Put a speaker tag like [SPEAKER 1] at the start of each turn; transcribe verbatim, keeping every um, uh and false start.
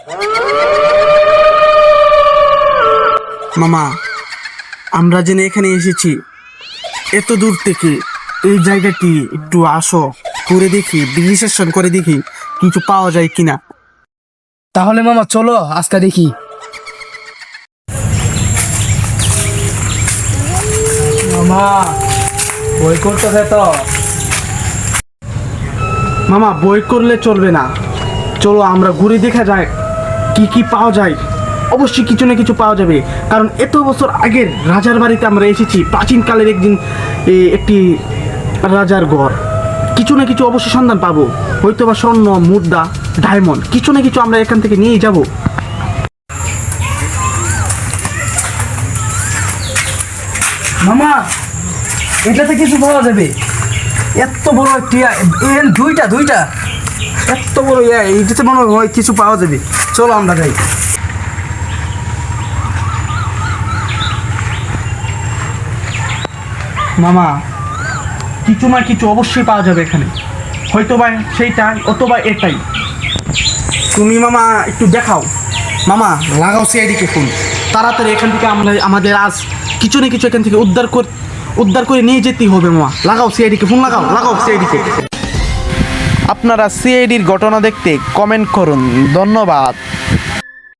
[SPEAKER 1] মামা, আমরা জেনে এখানে এসেছি এত দূর থেকে, এই জায়গাটি একটু আসো, ঘুরে দেখি, বিশ্লেষণ করে দেখি কিছু পাওয়া যায় কিনা।
[SPEAKER 2] তাহলে মামা চলো আজকে দেখি। মামা বই করতেছে তো।
[SPEAKER 1] মামা, বই করলে চলবে না, চলো আমরা ঘুরে দেখা যায় কি কি পাওয়া যায়। অবশ্যই কিছু না কিছু পাওয়া যাবে, কারণ এত বছর আগের রাজার বাড়িতে আমরা এসেছি, প্রাচীনকালের একদিন এ, একটি রাজার ঘর। কিছু না কিছু অবশ্যই সন্ধান পাবো, হয়তো বা স্বর্ণ, মুদ্রা, ডায়মন্ড, কিছু না কিছু আমরা এখান থেকে নিয়েই যাব।
[SPEAKER 2] মামা এটাতে কিছু পাওয়া যাবে, এত বড় একটি এন দুইটা দুইটা
[SPEAKER 1] এত বড় ইয়া, এইটাতে মনে হয় কিছু পাওয়া যাবে, চলো আমরা যাই। মামা, কিছু না কিছু অবশ্যই পাওয়া যাবে এখানে, হয়তো বা সেইটাই অথবা এটাই। তুমি মামা একটু দেখাও, মামা লাগাও সিআইডিকে ফোন, তাড়াতাড়ি এখান থেকে আমরা আমাদের আজ কিছু না কিছু এখান থেকে উদ্ধার কর উদ্ধার করে নিয়ে যেতেই হবে। মামা লাগাও সিআইডিকে ফোন, লাগাও লাগাও সিআইডিকে।
[SPEAKER 3] আপনারা সিআইডির ঘটনা দেখতে কমেন্ট করুন। ধন্যবাদ।